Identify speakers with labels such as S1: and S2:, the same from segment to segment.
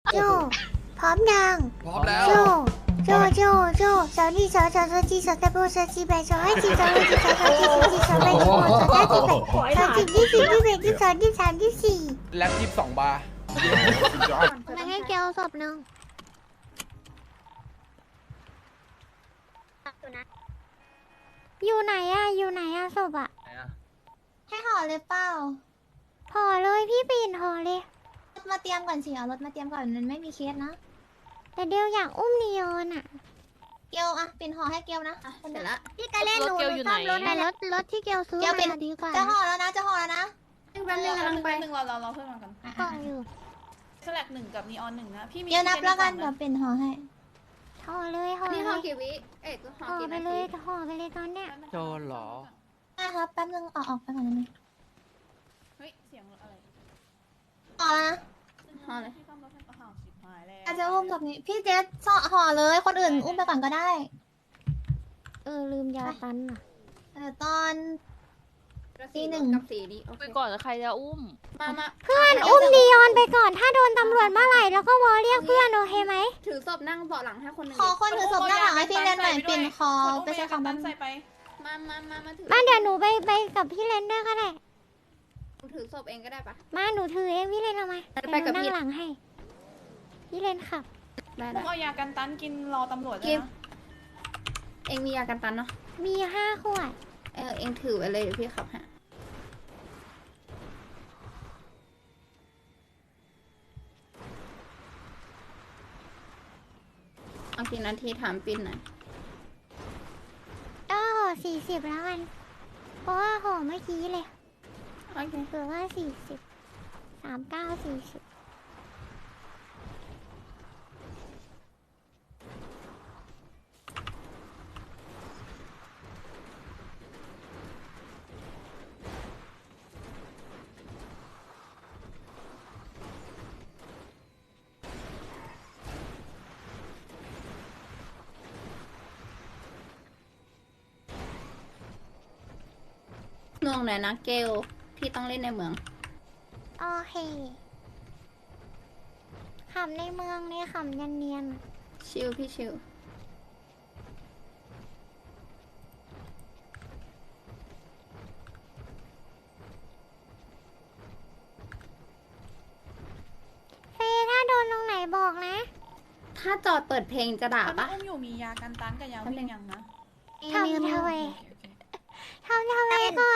S1: โจพร้อมยัง
S2: พร้อมแล้ว
S1: โจสาวนี่สาวจีสาวตะโบสาวจีแบสาวให้จีสาวให้จีสาวจีสาวแบสาวสาวจีแบสาวจีที่4ที่1ที่2ที่3ที่4
S2: แล็บ22 บาร์
S1: มาให้เกลศพหนึ่งอยู่ไหนอะศพอะให้ห่อเลยเปล่าห่อเลยพี่ปีนห่อเลยรถมาเตรียมก่อนสิเอารถมาเตรียมก่อนมันไม่มีเคสนะแต่เดียวอยากอุ้มนีออนอะเกลอะปิ่นห่อให้เกลนะเสร็จละพี่ก็เล่นหนูซ่อมรถรถที่เกลซื้อมาดีกว่าจะห่อแล้วนะแป๊บนึงกำลังไป
S3: หนึ่งเราเพิ่มมากัน
S1: ก่อนอยู่
S3: สลัก1กับนีออน1นะพี่มี
S1: เดี๋ยวนับแล้วกันเดี๋ยวปิ่นห่อให้ห่อเลย
S4: นี่ห่อกี่วิก็ห่อ
S1: ห่อ
S4: กี่
S1: ไป
S4: นา
S1: เล
S4: ที
S1: ยห่อไปเลยตอนเนี้ย
S2: โจรเหรอ
S1: ได้ครับแป๊บนึงออกไปก่อนนะ
S3: เฮ้ยเสียงอะไร
S1: ห่อนะ
S4: ห่อเลย
S3: พี่ต้องรถให้ห่อสิบหายแล้ว
S1: อาจจะอุ้มแบบนี้พี่เจสห่อเลยคนอื่นอุ้มไปก่อนก็ได้ลืมยาตันอ่ะตอนตีหนึ่ง
S4: กับสีนี้โอเค
S5: ไปก่อนแล้วใครจะอุ้ม
S4: มา
S1: เพื่อนอุ้มนีออนไปก่อนถ้าโดนตำรวจเมื่อไหร่แล้วก็วอเรียกเพื่อนโอเคไหม
S4: ถือศพนั่งเบาะหลังให้คนหนึ่ง
S1: ขอคนถือศพหน้าหลังให้พี่เล่นหน่อยปิ่นคอไปใช้ของ
S3: บ้า
S1: บ้าน น
S3: ใส่ไป
S4: มาถือ
S1: เดี๋ยวหนูไปกับพี่เลนด้วยก็ได้
S4: ถือศพเองก็ได้ปะ
S1: มาหนูถือเองพี่เลนเอามา
S4: ไปกับพี่
S1: นั่งหลังให้พี่เลนขับ
S4: ได้
S3: พวกเอายากันตันกินรอตำรวจเลยนะ
S4: เองมียากันตันเนาะ
S1: มี5 ขวด
S4: เองถือไว้เลยเดี๋ยวพี่ขับฮะเอากี่นาทีถามปินหน่อย
S1: ห่อ40แล้วกันเพราะว่าห่อเมื่อกี้เลย
S4: โอเค
S1: เผื่อว่า40 39 40
S4: เมืองไหนนะเกลพี่ต้องเล่นในเมือง
S1: โอเคขำในเมืองเนี่ยขำเนียนๆอะ
S4: ชิลพี่ชิล
S1: เฟยถ้าโดนตรงไหนบอกนะ
S4: ถ้าจอดเปิดเพลงจะด่า
S3: ตอน
S4: ปะ
S3: นี้อุ้มอยู่มียากันตันกับยาวิ่งยังนะ
S1: ทำไมก่อน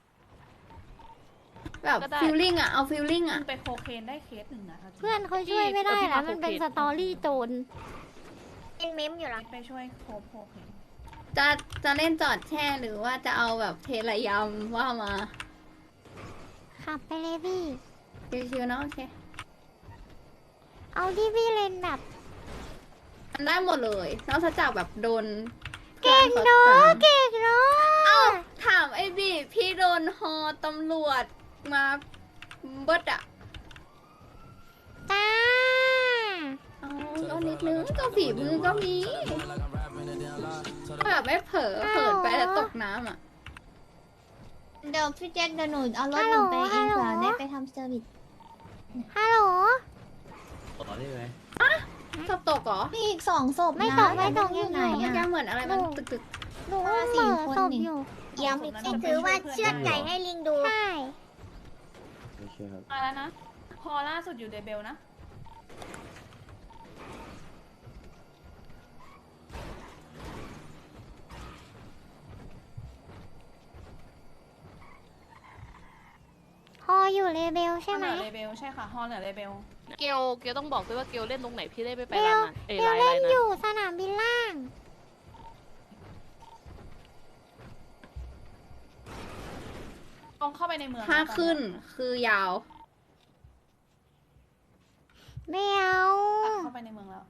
S4: แบบ
S5: ก็ได้
S4: ฟิลลิ่งอะเอาฟิลลิ่ง
S3: มั
S4: อะ
S3: นไปโคเคนได้เคสหนึ่งนะ
S1: เพื่อนเขาช่วยไม่ได้แล้วมันเป็นสตอรี่โจร
S6: เป็นเมมอยู่หรอ
S3: ไปช่วยโคเคน
S4: จะเล่นจอดแช่หรือว่าจะเอาแบบเทระยำว่ามา
S1: ขับไปเลยพี่
S4: ชิวๆเนาะโอเค
S1: เอาที่พี่เลนแบบ
S4: มันได้หมดเลยนอกจากแบบโดน
S1: เก่ง
S4: พื่อ
S1: เนาะ
S4: ขาตาม
S1: เก่งเนาะ
S4: เอ้าถามไอ้บีพี่โดนฮอตำรวจมาเบิดอะ
S1: จ้า
S4: เอาก็นิดนึงก็ฝีมือก็มีแบบไม่เผลอเผินไปแล้วตกน้ำอะ
S1: เดี๋ยวพี่เจนเดี๋ยวหนูเอารถหนูไปเองเผื่อได้ไปทำเซอร์วิสฮัลโหล
S7: ต่อได้ไหม
S4: ศพตกเหรอ
S1: มีอีก2 ศพไม่ตกอยู่ไหน
S4: มัน
S1: อ่ะ
S4: ยังเหมือนอะไรมันตึก
S1: หนูอุ้มเหม่อศพอยู่
S6: ย้ำอีกทีถือว่าเชือดไก่ให้ลิงดู
S1: ใช่
S7: ไม่ใช่ครับ
S3: มาแล้วนะ พอล่าสุดอยู่เดเบลนะ
S1: ฮออยู่เลเบลใช่ไหม
S3: เดเบลใช่ค่ะฮอลเหนือเดเบล
S5: เกลต้องบอกด้วยว่าเกลเล่นตรงไหนพี่ได้ไป
S1: เบล
S5: ร้านนั้น
S1: เบล
S5: ไลน์
S1: เล่น
S5: นั้น
S1: อยู่สนามบินล่าง
S3: ตรงเข้าไปในเมือง
S4: ๆถ้าขึ้นคือยาว
S1: ไม่เอา
S3: ตัดเข้าไปในเมืองแล้ว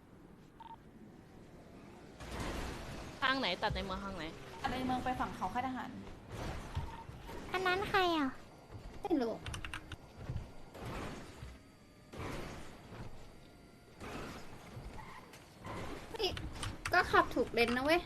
S5: ข้างไหนตัดในเมืองข้างไหน
S3: ตัดในเมืองไปฝั่งเขาค่ายทหาร
S1: อันนั้นใครอ่ะ
S4: ไม่รู้เฮ้ยก็ขับถูกเลนนะเว้ย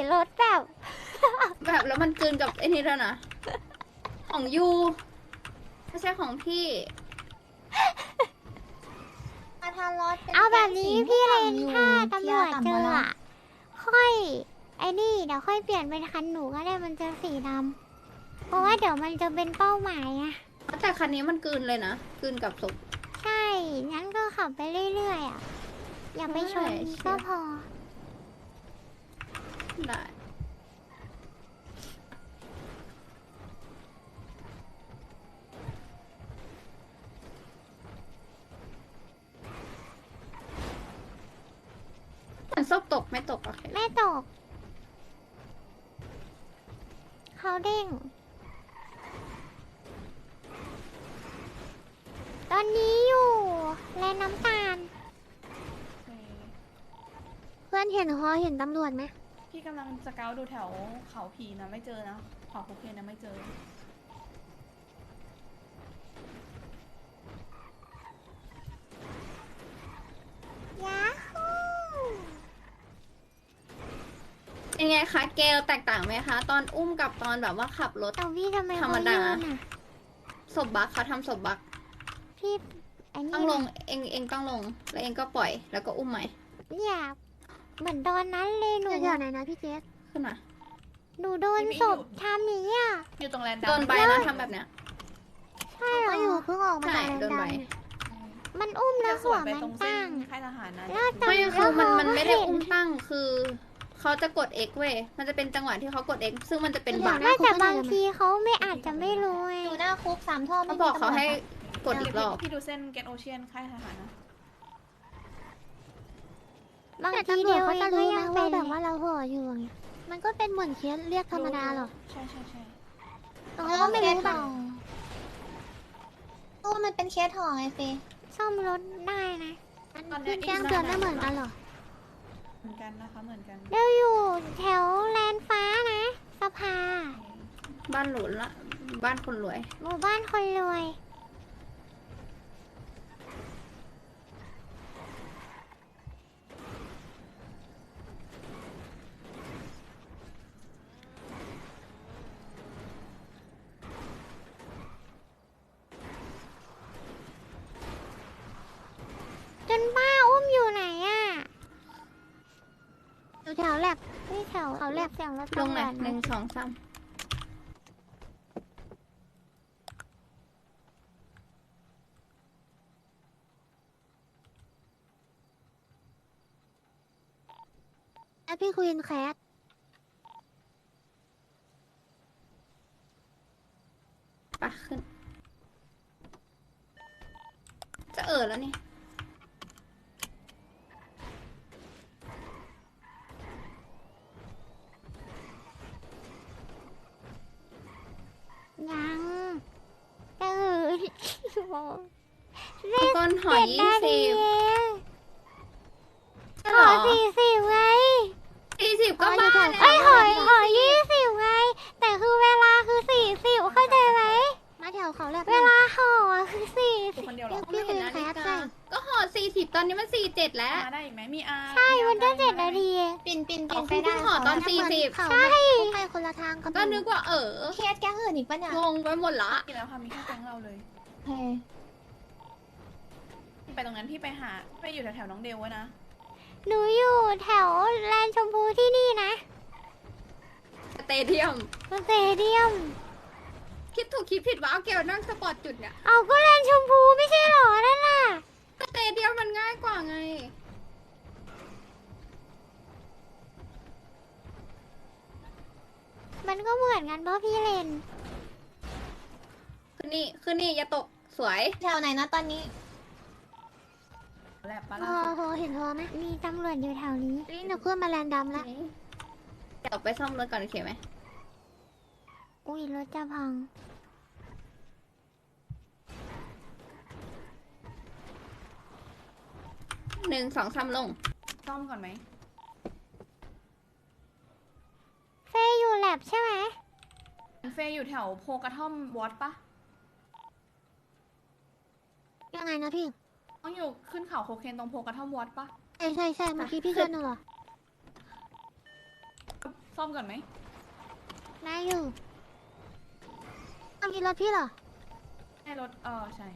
S1: รถแบบ
S4: แบบแล้วมันกลืนกับไอ้นี่แล้วนะ ของยูไม่ใช่ของพี่
S1: มาทานรถเอาแบบนี้พี่เลนถ้าตำรวจเจออะค่อยไอ้นี่เดี๋ยวค่อยเปลี่ยนเป็นคันหนูก็ได้มันจะสีดำเพราะว่าเดี๋ยวมันจะเป็นเป้าหมายอะ
S4: แต่คันนี้มันกลืนเลยนะกลืนกับศพ
S1: ใช่งั้นก็ขับไปเรื่อยๆอะอย่าไปชน
S4: ใช่
S1: ก็พอ
S4: ได้เหมือนศพตกไม่ตกโอเค
S1: ไม่ตก เขาเด้ง ตอนนี้อยู่แลน้ำตาล
S3: โอเค
S6: เพื่อนเห็นฮอเห็นตำรวจไหม
S3: พี่กำลังสเกาต์ดูแถวเขาผีนะไม่เจอนะเขาโคเคนนะไม่เจอ
S1: ยาฮู
S4: เป็นไงคะเกลแตกต่างไหมคะ ตอนอุ้มกับตอนแบบว่าขับรถ
S1: แต่พี่ทำไม
S4: ธรรมดา
S1: เขยืนอะ
S4: ศพบักเขาทำศพบัก
S1: พี่ไอ้นี่
S4: ต้องลงเองต้องลง แล้วเองก็ปล่อย แล้วก็อุ้มใหม่
S1: อยากเหมือนตอนนั้นเลยหนู
S6: แถวๆไหนนะพี่เจส
S4: ขึ้นมา
S1: หนูโดนศพทำอย่างนี้อะ
S3: อยู่ตรงแลนด์ดำ
S4: โดนใบนะทำแบบเนี้ย
S1: ใช่เหร
S6: ก็
S1: อ
S6: อยู่เพิ่งออกมา
S4: ใช่
S6: จาก
S4: โดน
S6: แร
S4: ใบ
S6: ง
S1: มันอุ้มแล้ว
S3: จะส
S1: หั
S3: ว
S1: วน
S3: ไป
S1: มัน
S3: ตรงเส้
S1: ตั้
S3: น
S1: ง
S3: ค่ายทหารนะ
S1: แล้วตอน
S4: ไม่คือมัน
S1: แล้ว
S4: มันไม่ได้
S1: เห็
S4: อุ้มตั้งคือเขาจะกด X เว้ย มันจะเป็นจังหวะที่เขากด X ซึ่งมันจะเป็นบัก
S1: ไม่แต่บางทีเขาไม่อาจจะไม่รู้ไง
S6: อยู่หน้าคุก3 ท่อ
S4: เขาบอกเขาให้กดอีกรอบ
S3: พี่ดูเส้นเกตโอเชียนค่ายทหารนะ
S1: บาง
S6: แต่
S1: ที
S6: ตำรว
S1: เดี
S6: จ
S1: ยว
S6: เขา
S1: เอ
S6: จะ
S1: งก็
S6: รู้
S1: ยั
S6: นะ
S1: งเป็
S6: ว่าน แบบว่าเราห่ออยู่อย่างเงี้ยมันก็เป็นเหมือนเคสเรียกธรรมดาหรอ
S3: ใช่ใช่ใช่
S6: เราก็ไม่รู้แบบ
S1: ตัวมันเป็นเคสห่อไงเฟซ่อมรถได้นะ
S6: มันขึ้นแจ้งเตือนไม่เหมือนกันหรอ
S3: เหมือนกันนะคะเหมือนกัน
S1: เราอยู่แถวแลนฟ้านะสภา
S4: บ้านหลุนละ บ้านคนรวย
S1: หมู่บ้านคนรวย จนป้าอุ้มอยู่ไหนอ่ะ
S6: อยู่แถวแลบ
S1: ที่แถว
S6: เขาแลบ
S1: เสียงรถ
S4: ลง
S1: ตำร
S4: ไหน
S1: วจ
S4: หนึ่งสองสาม
S6: แล้วพี่คุยนแคส
S4: ปะขึ้น จะแล้วนี่
S1: ยังตื่น
S4: ก้นหอย
S1: 7 นาที
S4: 20
S1: เอง
S4: ใช่
S1: ห
S4: เหร
S1: อ
S4: อ
S1: 40ไง
S4: 40ก็บ้าแล้ว
S1: เอ้ยหอย20ไง แต่คือเวลาคือ40เข้าใจไหม
S6: มาแถวเขาแลบ
S1: เวลาห่ออะคือ
S3: กูคนเดียวเหรอ
S4: ไม่เห็นนาฬิกาก็ห่อ40 ตอนนี้มัน 47 แล้ว
S3: มาได้อีกไหมมีอา
S1: 40ใช่มันก็7 นาทีเอง
S6: ปิ่น
S4: อ๋อ
S6: ไป
S4: คุณ
S6: ได้
S4: เพิ่งห่อตอน 40
S6: ใช่คุกไปคนละทางกับ
S4: ก็นึกว่า
S6: เคสแก๊งอื่นอีกปะเนี่ย
S4: งงไปหมดละ
S3: อีกแล้วค่ะมีแค่แก๊งเราเลย
S6: เฮ้
S3: ไปตรงนั้นพี่ไปหาไปอยู่แถวๆน้องเดลไว้นะ
S1: หนูอยู่แถวแลนด์ชมพูที่นี่นะ
S4: สเตเดียม
S1: สเตเดียม
S4: คิดถูกคิดผิดว่าเอาเกลนั่งสปอร์ตจุดเนี่ย
S1: เอาก็แลนด์ชมพูไม่ใช่เหรอนั่นน่ะ
S4: สเตเดียมมันง่ายกว่าไง
S1: มันก็เหมือนกันเพราะพี่เลน
S4: คือนี่อย่าตกสวย
S6: แถวไหนนะตอนนี้
S3: แลบปะ
S6: ฮ
S3: ล่ะ
S6: อเห็นฮอไหม
S1: มีตำรวจอยู่แถวนี้
S6: นี่หนูขึ้นมาแลนดำแล้ว
S4: เดี๋ยวไปซ่อมรถก่อนโอเคไหม
S1: อุ้ยรถจะพัง
S4: 1 2 3ลง
S3: ซ่อมก่อนไหม
S1: เฟยอยู่แลบใช่ไหม
S3: เฟยอยู่แถวโพกระท่อมวอตปะ
S6: ยังไงนะพี่
S3: ต้องอยู่ขึ้นเขาโคเคนตรงโพกระท่อมวอตปะ
S6: ใช่เมื่อกี้พี่ชวนหนูเหรอ
S3: ศซ่อมก่อนไหม
S6: นายอยู่ต้องกินรถพี่เหรอ
S3: ให้รถใช่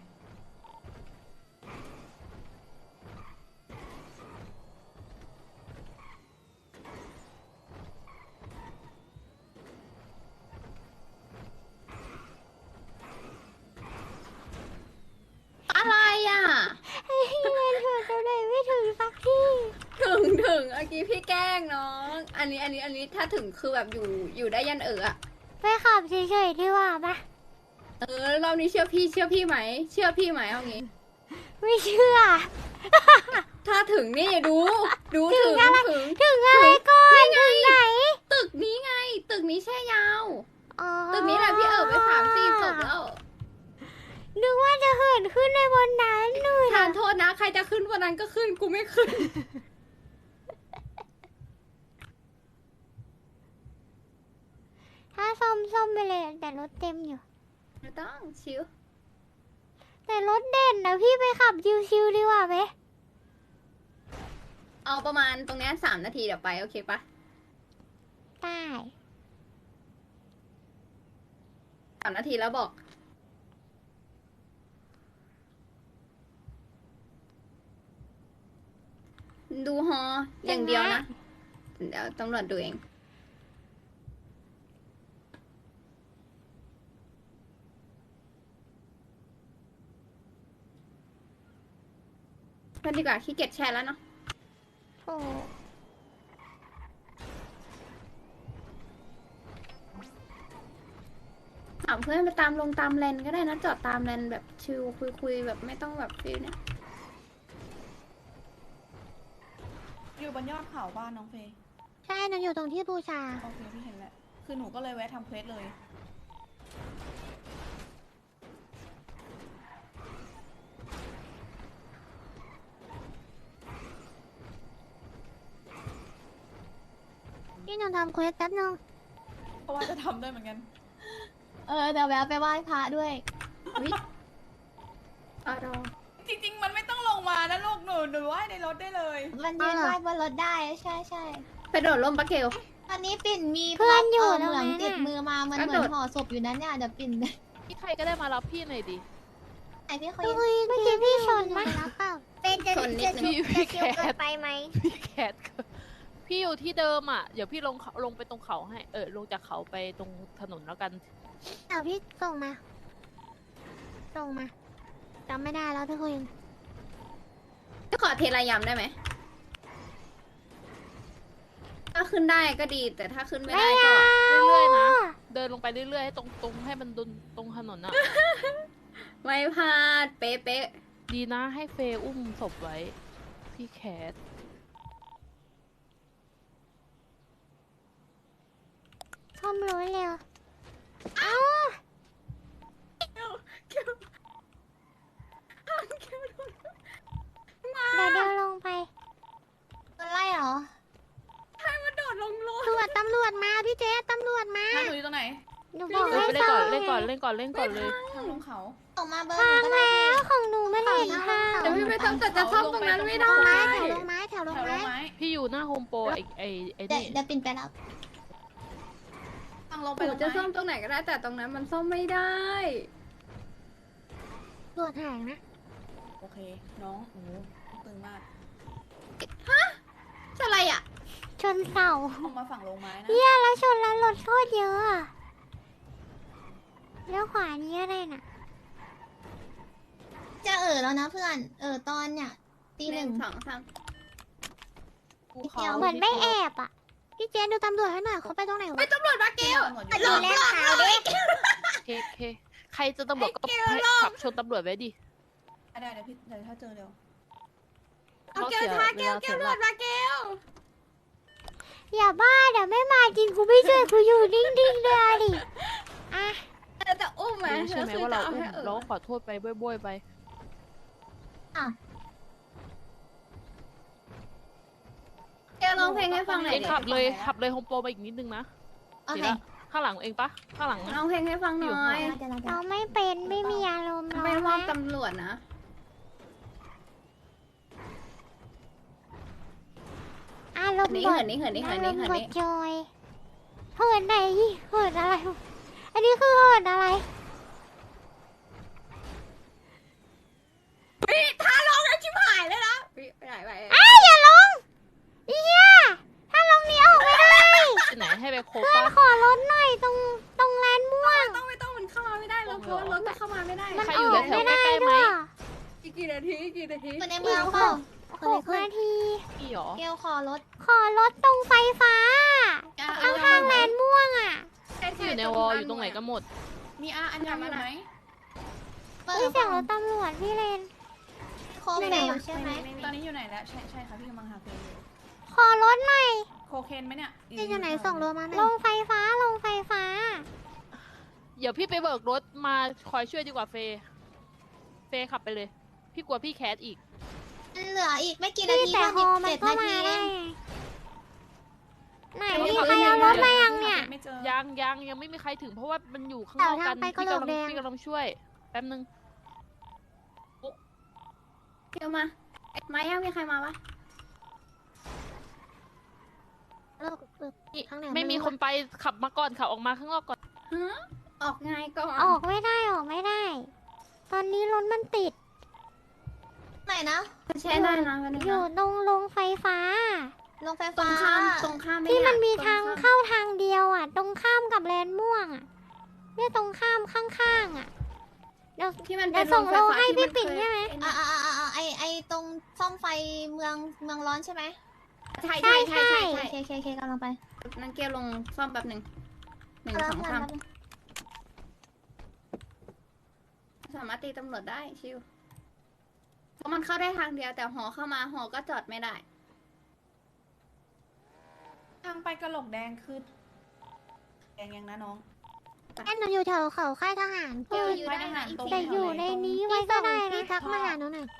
S4: อะไรอ่ะ
S1: พี่เล่นเถอะจะได้ไม่ถึงสักที
S4: ถึงเมื่อกี้พี่แกล้งน้อง อันนี้ถ้าถึงคือแบบอยู่ได้ยันอะ
S1: ไปขับเฉยๆดีกว่าปะ
S4: รอบนี้เชื่อพี่ไหม เชื่อพี่ไหมเอางี้
S1: ไม่เชื่อ
S4: ถ้าถึงนี่ดูถึง
S1: ถึงอะไรก่อน ถึงไหน
S4: ตึกนี้ไง ตึกนี้แช่ยาว
S1: อ๋อ
S4: ตึกนี้แหละพี่ไป3-4ศพแล้ว
S1: นึกว่าจะเหินขึ้นในบนนั้นหนู
S4: ทานโทษนะ ใครจะขึ้นวันนั้นก็ขึ้น กูไม่ขึ้น
S1: ถ้าซ่อมไปเลยแต่รถเต็มอยู่
S4: ไม่ต้องชิว
S1: แต่รถเด่นนะพี่ไปขับชิวๆดีกว่าไหม
S4: เอาประมาณตรงนี้3 นาทีเดี๋ยวไปโอเคปะ
S1: ได้
S4: 3 นาทีแล้วบอก ดูฮออย่างเดียวนะ เดี๋ยวตำรวจดูเองก็ดีกว่าขี้เกียจแชร์แล้วเนาะ
S1: โอ้
S4: ถามเพื่อนไปตามเลนก็ได้นะจอดตามเลนแบบชิลคุยแบบไม่ต้องแบบฟิลเนี่ย
S3: อยู่บนยอดเขาบ้านน้องเฟย์
S6: ใช่หนูอยู่ตรงที่บูชา
S3: โอเคพี่เห็นแล้วคือหนูก็เลยแวะทำเควสเลย
S6: พี่หนูทำเควสแป๊บนึง
S3: เพราะว่าจะทำด้วยเหมือนกัน
S1: เดี๋ยวแวะไปไหว้พระด้วย
S3: จริงๆ มันไม่ต้องลงมานะลูกหนูว่ายในรถได้เลย
S1: มันยืนไหว้บนรถได้ ใช่
S4: ไปโดดร่มปะเกล
S1: ตอนนี้ปิ่นมีเพื่อนอยู่
S6: ตรง
S1: เหมื
S6: นั้
S1: อน
S6: น
S1: ติด
S6: น่ะ
S1: มือมา มัน
S4: กระ
S1: เห
S4: โด
S1: มือ
S4: ด
S1: นห่อศพอยู่นั้นเนี่ยเดี๋ยวปิ่น
S5: พี่ใครก็ได้มารับพี่หน่อยดิ
S1: ไหนพี่คุย
S6: เมื่อกี้พี่ชนไหมรับเปล่า
S1: เป็นจะ
S4: ชนนิดนึง
S5: พี่แค
S1: เกิ
S5: ท
S1: นไปไหม
S5: พี่แคทพี่อยู่ที่เดิมอ่ะ เดี๋ยวพี่ลงไปตรงเขาให้ลงจากเขาไปตรงถนนแล้วกัน
S6: เอาพี่ส่งมาจำไม่ได้แล้วทุกคน
S4: จะขอเทระยำได้ไหม ถ้าขึ้นได้ก็ดี แต่ถ้าขึ้นไม่ได้ก็
S5: เรื่อยๆนะ เดินลงไปเรื่อยๆให้ตรงให้มันตรงถนนอ่ะ
S4: ไม่พลาด เป๊ะ
S5: ดีนะให้เฟย์อุ้มศพไว้ พี่แคท
S1: ซ่อมรถเร็ว เอ้า เดี๋ยวลงไปอะไรเหรอ
S4: ให้มันโดดลงรถ
S6: ตำรวจมาพี่เจ๊ตำรวจมา
S3: ถ้าหนูอยู่ตรงไหน
S1: หนูบอก
S5: เล่
S1: ให้
S5: น
S1: ซ่
S5: ก่
S1: อ
S5: อน
S1: ม
S5: เล่นก่อนเล่นก่อนเล่นก่อนเลย
S3: ทางลงเขา
S1: ส่งมาเบอร์หนูก็ได้แล้วของหนูไม่เห็นค่ะ
S4: เดี๋ยวพี่ไม่ต้องแต่จะซ่อมตรงนั้นไม่ได้
S6: แถวลงไม้
S3: แถวลงไม้
S5: พี่อยู่หน้าโฮมโปรไอ้
S1: เดี๋ยว
S5: นี่
S1: เดี๋ยวปิ่นไปรับ
S3: ทางลงไป
S4: หนู
S3: ลง
S4: จะ
S3: ไม้
S4: ซ่อมตรงไหนก็ได้ แต่ตรงนั้นมันซ่อมไม่ได้
S6: ตรวจหางนะ
S3: โอเค น้องโอ้โหตึงมาก
S4: อะไรอ่ะ
S1: ชนเสา
S3: ลงมาฝั่งลงไม้นะ
S1: เฮียแล้วชนแล้วรถโคตรเยอะอะแล้วขวานี้อะไรน่ะ จะแล้วนะเพื่อน ตอนเนี่ยตี
S4: 1
S1: หนึ่ง
S4: 2 3
S5: ภูเขา
S1: เหมือนไม่แอบอ่ะ
S6: พี่เจ๊ดูตำรวจให้หน่อยเขาไปตรงไหน
S4: ไป
S6: วะ
S4: ตำรวจมาเกล
S3: ตำรวจอยู่
S1: แลกขาวดิ
S5: เคใครจะตำรวจก็ขับชนตำรวจไว้ดิ
S3: ได้เดี๋ยวพี่เดี๋ยวถ้าเจอเร็ว
S4: เอาเกลทาเกลตำรวจมาเกล
S1: อย่าบ้าเดี๋ยวไม่มาจริงกูไม่ช่วยกูอยู่นิ่งๆเลยดิอ่ะ
S4: จะอุ้มไหม
S5: รู้ใช่ไหมว่าเราอุ้มเราก็ขอโทษไปบ้อยๆไป
S4: เกลร้องเพลงให้ฟังหน่อย
S5: เอง
S4: ดิ
S5: ขับเลยโฮมโปรไปอีกนิดนึงนะ
S1: โอเค
S5: เดี๋ยวนะข้างหลังเองปะข้างหลังนะ
S4: ร้องเพลงให้ฟังหน่อย
S1: เราไม่เป็นไม่มีอารมณ์
S4: ไม่มอบ
S1: นะ
S4: ตำรวจนะ
S1: อารมณ์
S4: นี่
S1: บ
S4: เหิ
S1: ด
S4: นนี่เหินนี่เหิน
S1: อาร
S4: นี่
S1: มณ์
S4: เหิน
S1: บด
S4: นี่
S1: จอยเหินไหนเหินอะไร อันนี้คือเหินอะไร
S4: พี่ถ้าลงแล้วชิบหายเลยนะพี่ไปไหนไป
S1: ไอ้อย่าลงเฮียถ้าลงนี้ออกไม่ได้
S5: ที่ไหนให้ไปโค
S1: เพื่อน
S5: ป้า
S1: ขอรถหน่อยตรงแลนด์ม่วง
S4: ไม่ต้องมันเข้ามาไม่ได้แล้วเพราะว่ารถมันเข้ามาไม่ได้
S1: มัน
S5: ใคร
S1: อ
S5: อยู่
S1: อก
S5: แถว
S1: ไม่
S5: ๆ
S1: ได้
S5: ใกล้ๆไหม
S1: ด้วย
S4: อีกกี่นาทีกี่นาที
S1: ในเมืองเปล่า
S6: 6 นาที
S5: พี่หรอ
S1: เกลขอรถตรงไฟฟ้า ข้างๆแลนด์ม่วงอ่ะ
S5: ที่อยู่ในวอลอยู่ตรงไหนกันหมด
S3: มีอาอันยังอยู่ไหม
S1: เฮ้ยเสียงรถตำรวจพี่เลนโคเมลใช่ไหม
S3: ตอนนี้อยู่ไหนแล้วใช่ค่ะพี่กำลังหาเพลงอยู่
S1: ขอรถหน่อย
S3: โคเคนไหมเนี่ย
S6: พี่อยู่ไหนส่งโลมาหน่
S1: ล
S6: อย
S1: งไฟฟ้า
S5: เดี๋ยวพี่ไปเบิกรถมาคอยช่วยดีกว่าเฟย์เฟย์ขับไปเลย พี่กลัวพี่แคสอีก
S1: เหลืออีกไม่กี่นาทีแต่ฮอมันก็มาได้ไหนมีใครเอารถมายังเนี่ย
S3: ไม่เจอ
S5: ยังไม่มีใครถึงเพราะว่ามันอยู่ข้างนอกกันพี่กำลังช่วยแป๊บนึง
S4: เดี๋ยวมายังมีใครมาปะ
S6: ข้างไหน
S5: ไม่มีคนไปขับมาก่อนขับออกมาข้างนอกก่อน
S4: ฮะออกไงก่อน
S1: ออกไม่ได้ ตอนนี้รถมันติด ไหนนะ
S4: ใช่ได้นะวันนี้
S1: อยู่ตรงโรงไฟฟ้า
S4: ตรงข้าม
S1: ที่มันมีทางเข้าทางเดียวอ่ะ ตรงข้ามกับแลนด์ม่วงอ่ะเนี่ยตรงข้ามข้างๆอ่ะ เดี๋ยว
S4: ที่มัน
S1: เดี๋
S4: เป็
S1: ย
S4: น
S1: วส่งโลให้พี่ปิ่นใช่ไหม
S2: ไอตรงซ่อมไฟเมืองร้อนใช่ไหม
S4: ใช่
S1: ใช่
S2: เคกำลังไป
S4: นั่นเกียร์ลงซ่อมแป๊บหนึ่ง1 2 3สามารถตีตำรวจได้ชิวเพราะมันเข้าได้ทางเดียวแต่หอเข้ามาหอก็จอดไม่ได้
S3: ทางไปกระโหลกแดงคือแดงยังนะน้อง
S6: แอนหนูอยู่แถวเขาค่ายทหาร
S4: เกียร์อยู่ได้นะอีก
S1: แต่อยู่ในนี้ไว้ก็ได้
S6: พี่
S1: นะ
S6: ทักมาหาหนูหน่อย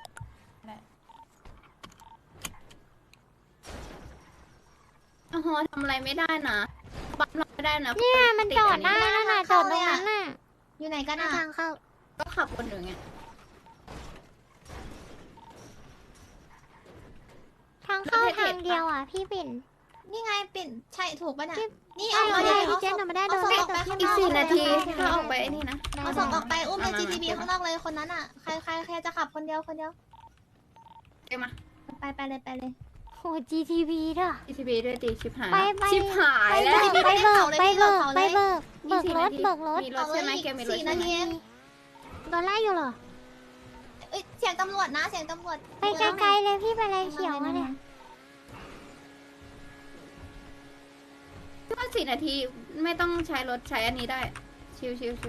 S4: หอทำอะไรไม่ได้นะบัฟเราไม่ได้นะ
S1: เนี่ยมันจอดได้นั่นน่ะจอดตรงนั้นน่ะ
S2: อยู่ไหนกัน
S6: หน้า
S2: อ่ะ
S6: ทางเข้า
S4: ก็ขับวนอยู่ไง
S1: ทางเข้าทางเดียวอ่ะพี่ปิ่น
S2: นี่ไงปิ่นใช่ถูกป่ะเนี่ยนี่
S6: เอา
S2: เอา
S6: เล
S2: มาย
S6: พี่เจนหนูไม่ได้โดน
S2: เอา
S6: ได้
S2: ส่งออกไป
S6: แต่
S2: ข้าง
S6: พี่
S2: นอก
S4: 4 นาทีถ้าออกไปไอ้นี่นะ
S2: เอาส่งออกไปอุ้มใน GTB ข้างนอกเลยคนนั้นอ่ะใครจะขับคนเดียว
S4: เดี๋ยวมา
S2: ไปเลย
S1: โห GTV ด้วย
S4: ETB ด้วยตีชิบหาย
S1: ไป
S4: ชิบหาย
S1: ไป
S4: แล้ว
S1: เบิกรถเบิกรถ
S4: มีรถใช่ไหมแกมีรถ
S2: 4
S4: ใช่
S2: นา
S4: ไหม
S2: ที
S6: โดนไล่อยู่เหรอ
S2: เอ้ยเสียงตำรวจนะเสียงตำรวจ
S1: ไปไกลๆเลยพี่ไปเลยเขียวมาเนี่ย
S4: ถ้า4 นาทีไม่ต้องใช้รถใช้อันนี้ได้ ชิว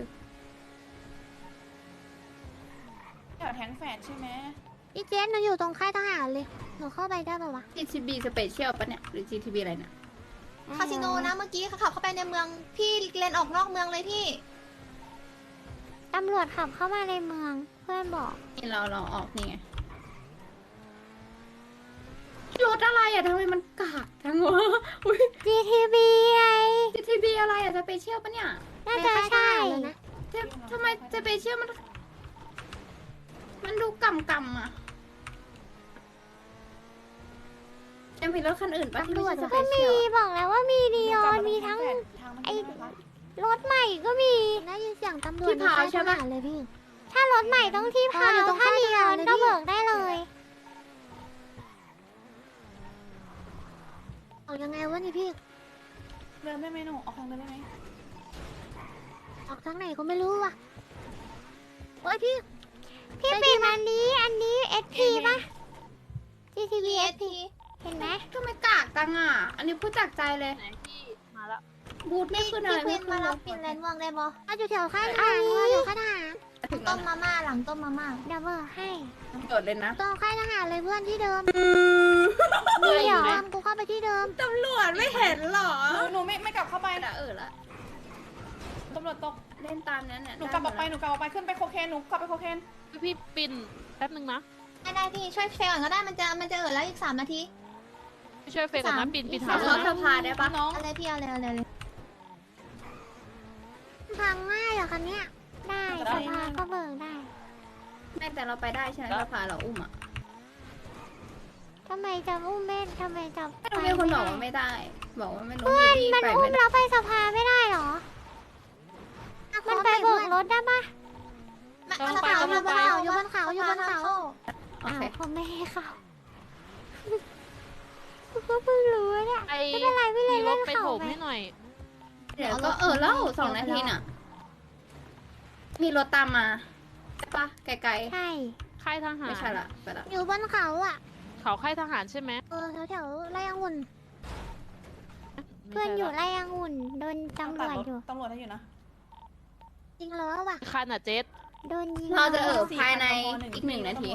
S3: แถวแทงแฝดใช่ไหม
S6: พี่เจนหนูอยู่ตรงค่ายทหารเลย หนูเข้าไปได้ปะวะ
S4: GTB Special ปะเนี่ยหรือ GTB อะไรเนี่ย
S2: คาสิโนนะเมื่อกี้เขาขับเข้าไปในเมืองพี่เลนออกนอกเมืองเลยพี่
S1: ตำรวจขับเข้ามาในเมืองเพื่อนบอก
S4: นี่เราออกนี่ไงรถอะไรอ่ะทำไมมันกากจังวะอุ้ย
S1: GTB ไง
S4: GTB อะไรอ่ะสเปเชียลปะเนี่ย
S1: น่าจะใช่
S6: เลยนะ
S4: ทำไมสเปเชียลมันดูกำอ่ะยังมีรถคันอื่นปะที่ไม่ใช่สเป
S1: ก็
S4: เชี
S1: มี
S4: ยล
S1: บอกแล้วว่ามีดีออนมีทั้ง ไอ้ รถใหม่ก็มี
S6: ได้ยินเสียงตำรวจในค่ายทหารเลยพี่
S1: ถ้ารถใหม่ต้องที่พาว
S6: อยู่ตรง
S1: ถ้า
S6: ค่าย
S1: ดี
S6: ท
S1: อ
S6: หา
S1: อ
S6: ร
S1: น
S6: เลย
S1: ก็
S6: พี่
S1: เบิกได้เลย
S6: ออกยังไงวะนี่พี่
S3: เดินได้ไหมหนูออกทางเดินได้ไหม
S6: ออกทางไหนก็ไม่รู้ว่ะโอ้ยพี่
S1: พี่ปิ่นอันนี้ SP ป่ะ GTB SP เห็นไหม
S4: ทำไมกากจังอ่ะ อันนี้พูดจากใจเลย
S5: ไหนพี่มาแล้ว
S4: บูทไม่ขึ้นอะไร
S2: พี่
S4: ไม่
S2: ควิน
S4: ขึ้
S2: มาน รั
S4: เล
S2: บ
S4: ย
S2: ปิ่นเลนม่วงได้บ่
S6: มาอยู่แถวค่ายทหารมาอยู่ค่ายทหาร
S4: ถึง
S2: ต้
S4: แล้ว
S2: มมาม่าหลังต้มมาม่า
S1: เดี๋ยวเบิกให้
S4: โดดเลยนะ
S6: ตรงค่ายทหารเลยเพื่อนที่เดิม
S1: มีเหรอ
S6: ตามกูเข้าไปที่เดิม
S4: ตำรวจไม่เห็นหรอ
S3: หนูไม่กลับเข้าไป
S4: ละละ
S3: ตำรวจตก
S4: เล่นตามนั้นเนี่ย
S3: หนูกลับออกไปขึ้นไปโคเคนหนูกลับไปโคเคน
S5: พี่ปิ่นแป๊บนึงนะ
S2: ได้พี่ช่วยเฟลก่อนก็ได้มันจะแล้วอีก3 นาที
S5: ไปช่วยเฟย์ก่อนนะปิ่น
S2: อีก
S5: ถาม
S2: ส
S4: เขา
S2: ม
S4: สภาได้ปะ
S3: น้อง
S2: เอาเลยพี่เอาเลย
S6: ทางง่ายเหรอคันเนี้ย
S1: ได้สภาก็เบิกได้
S4: ไม่แต่เราไปได้ใช่ไหมสภาเราอุ้มอ่ะ
S1: ทำไมจะอุ้มแม่ทำไมจะ
S4: ไม่รู้มีคนบอกว่าไม่ได้ บอกว่าไม่รู้
S1: เพื่อน
S4: พี่
S1: มัน
S4: ไป
S1: อุ้
S4: ไม่
S1: ม
S4: ได้
S1: เราไปสภาไม่ได้เหรอ มันไปโบกรถได้ปะ
S2: มันเขาอยู่บนเขาอยู่บนเขาอยู่บนเขา
S4: โอ
S1: อ้าว
S4: เค
S1: เขาไม่ให้เข้าก็เพิ่งรู้เนี่ย
S5: ไอ้
S1: ไม่เป็นไรไม่เลย
S5: มีร
S1: เล่
S5: ถ
S1: น
S5: ไป
S1: เขา
S5: โถม
S1: ไป
S5: ให้หน่อย
S4: เดี๋ยวก็แล้ว2 นาทีน่ะ มีรถตามมาใช่ปะไกล
S1: ใช่
S5: ค่ายท
S4: ๆ
S5: หาร
S4: ไม่ใช่ละไปละ
S6: อยู่บนเขาอ่ะ
S5: เขาค่ายทหารใช่ไหม
S6: แถวๆไรองุ่น
S1: เพื่อนอยู่ไล่องุ่นโดนตำรวจอยู่
S3: ตำรวจให้อยู่นะ
S6: จริงแล้วว่ะ
S5: คันอ่ะเจ๊
S1: โดนยิง
S4: เราจะภายใน
S3: 4,000
S4: อีก1 นาที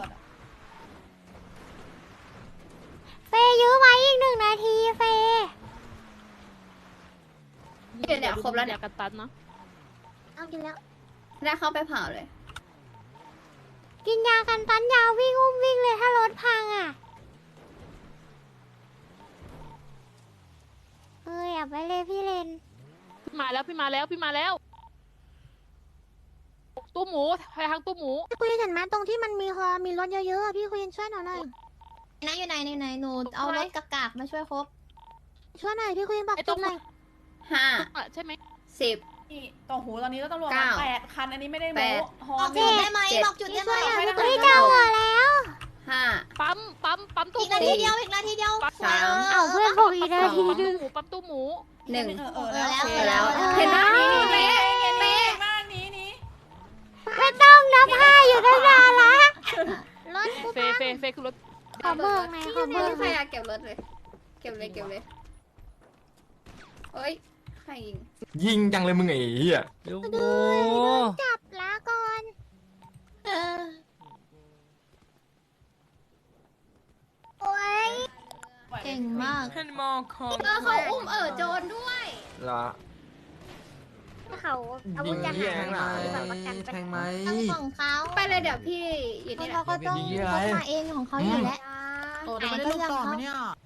S1: เฟยยื้อไว้อีก1 นาทีเฟย
S4: เดี๋ยวครบแล้วเนี่ย
S5: กันตันเนาะ
S6: เอากินแล้ว
S4: ได้เข้าไปเผาเลย
S1: กินยากันตันยาววิ่งอุ้มวิ่งเลยถ้ารถพังอ่ะอย่าไปเลยพี่เลน
S5: พี่มาแล้วพี่มาแล้วพี่มาแล้วตู้หมูไปทางตู้หมู
S6: พี่คุยเห็นไหมตรงที่มันมีรถเยอะๆอะพี่คุยช่วยหน่อย
S2: นะอยู่ไหนหนูเอารถกากๆมาช่วยครบ
S6: ช่วยหน่อยพี่คุยบอก
S5: ไอ้
S6: จ
S5: ตร
S6: บ
S5: ง
S6: หน่อย
S5: ใช่ไหม
S4: 5 10
S3: นี่ต่อหูตอนนี้ก็ตำรวจ
S4: เก้า
S3: 8 คันอันนี้ไม่ได้
S4: แป
S3: โม้
S4: ด
S3: ฮอ
S2: บอก
S3: น
S2: จุดได้ไหม
S4: เจ็ด
S2: บอกจุดได้ไหม
S3: ไม่ได้
S1: เฮ้ยเจอหัวแล้ว
S4: 5
S5: ปั๊มตู้
S2: อีก
S5: ห
S2: นา
S5: มู
S2: ทีเดียวอีกนาทีเดียว
S4: สาม
S1: เอาเพื่อนบอกอีกนาทีนึง
S5: ปั๊มตู้หมู
S4: 1
S2: แล้ว
S4: เสร็จแล้ว
S1: เออ
S4: เห็นไหมนี่เป๊ะ
S3: เป๊
S4: เป๊ะ
S3: มากนี้
S1: ไม่ต้องนับ5อยู่ตั้งนานละ
S6: รถกู
S5: เฟคือรถ
S1: ขอเบิกหน่อยขอเบิก
S4: ใครอยากเก็บรถเลย เก็บเลยเอ้ยใครยิง
S8: ยิงจังเลยมึงไอ้เหี้ย
S6: จับลาก่อน
S1: โอ้ย
S2: เก่งมาก
S4: เขาอุ้มโจรด้วย
S8: เหรอ
S6: เขาอาวุธจะหาย
S8: แทงไหม
S2: ทั้งของเขา
S4: ไปเลยเดี๋ยวพี่อยู่นี่แหละ
S2: เขาก็ต้องเขามาเองของเขาอยู่แล้ว
S6: โอ้
S2: ไหนก็เรื่องเขา